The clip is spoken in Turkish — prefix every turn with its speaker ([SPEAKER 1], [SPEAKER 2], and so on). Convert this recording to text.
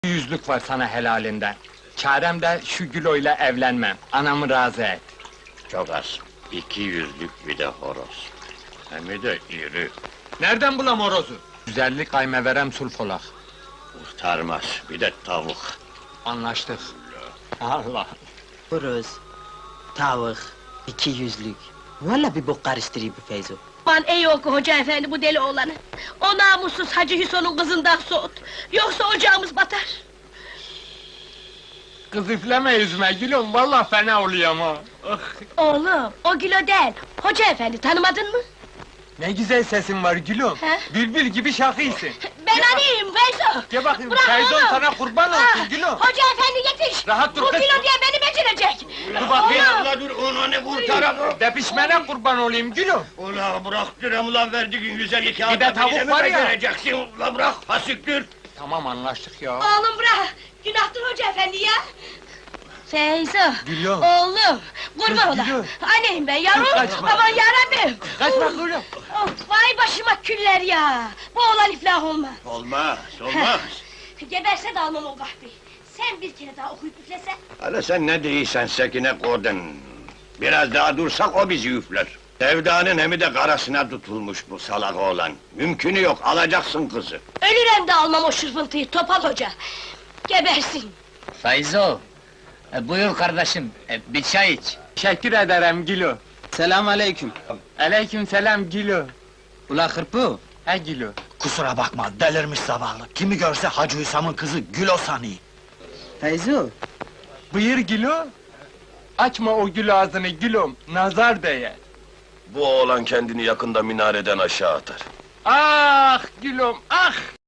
[SPEAKER 1] Yüzlük var sana helalinden. Çarem de şu Gülo'yla evlenmem. Anamı razı et.
[SPEAKER 2] Çok az. 200'lük bir de horoz. Hem de iri.
[SPEAKER 1] Nereden bulam horozu? Güzellik kaymeverem sulfolak.
[SPEAKER 2] Kurtarmaz. Bir de tavuk.
[SPEAKER 1] Anlaştık. Allah!
[SPEAKER 3] Horoz, tavuk, 200'lük. Vallahi bir bok karıştırıyor bu Feyzo.
[SPEAKER 4] Aman ey oku hoca efendi bu deli oğlanı! O namussuz Hacı Hüson'un kızından soğut! Yoksa ocağımız batar!
[SPEAKER 1] Kız üfleme yüzüme Gülüm, vallahi fena oluyorum ha! Ah!
[SPEAKER 4] Oğlum, o Gülo değil! Hoca efendi, tanımadın mı?
[SPEAKER 1] Ne güzel sesin var Gülüm!
[SPEAKER 4] He?
[SPEAKER 1] Bülbül gibi şakıysın!
[SPEAKER 4] Ben anıyım Feyzo!
[SPEAKER 1] Gel bakayım,
[SPEAKER 4] Bırak
[SPEAKER 1] Feyzon
[SPEAKER 4] oğlum!
[SPEAKER 1] sana kurban olsun
[SPEAKER 4] Ah,
[SPEAKER 1] Gülüm!
[SPEAKER 4] Hoca efendi yetiş!
[SPEAKER 1] Rahat dur
[SPEAKER 4] Bu
[SPEAKER 1] kız!
[SPEAKER 4] Gülo diye beni becerecek!
[SPEAKER 1] Dur bakayım!
[SPEAKER 2] Ula dur, onu ne kurtaralım?
[SPEAKER 1] Depişmene kurban olayım Gülüm!
[SPEAKER 2] Ula bırak direm ulan verdiğin güzel
[SPEAKER 1] Bir de tavuk var ya.
[SPEAKER 2] Vereceksin. Ula bırak, fasiktir.
[SPEAKER 1] Tamam anlaştık ya!
[SPEAKER 4] Oğlum bırak! Günahtır hoca efendi ya! Feyzo!
[SPEAKER 1] Gülüm!
[SPEAKER 4] Oğlum! Kurban
[SPEAKER 1] Kız,
[SPEAKER 4] ola!
[SPEAKER 1] Gülüm!
[SPEAKER 4] Anneyim ben yavrum!
[SPEAKER 1] Kaçma.
[SPEAKER 4] Aman yarabbim!
[SPEAKER 1] Kaçma Gülüm!
[SPEAKER 4] Of, vay başıma küller ya! Bu oğlan iflah olmaz!
[SPEAKER 2] Olmaz, olmaz.
[SPEAKER 4] Geberse de almam o kahveyi! Sen bir kere daha okuyup üflesen!
[SPEAKER 2] Hala sen ne değilsen Sekine Gordon. Biraz daha dursak o bizi üfler. Sevdanın hemi de karasına tutulmuş bu salak oğlan. Mümkünü yok, alacaksın kızı.
[SPEAKER 4] Ölürem de almam o şırfıntıyı, Topal Hoca! Gebersin!
[SPEAKER 5] Feyzo, buyur kardeşim, bir çay iç.
[SPEAKER 1] Teşekkür ederim Gülüm!
[SPEAKER 3] Selam aleyküm.
[SPEAKER 1] Aleyküm selam Gülüm!
[SPEAKER 3] Ula hırpı,
[SPEAKER 1] He Gülüm!
[SPEAKER 6] Kusura bakma, delirmiş zavallı. Kimi görse Hacı Hüsam'ın kızı Gülo sanıyor.
[SPEAKER 3] Feyzo,
[SPEAKER 1] Buyur Gülüm! Açma o gül ağzını Gülüm, nazar değer!
[SPEAKER 7] Bu oğlan kendini yakında minareden aşağı atar.
[SPEAKER 1] Ah Gülüm, ah!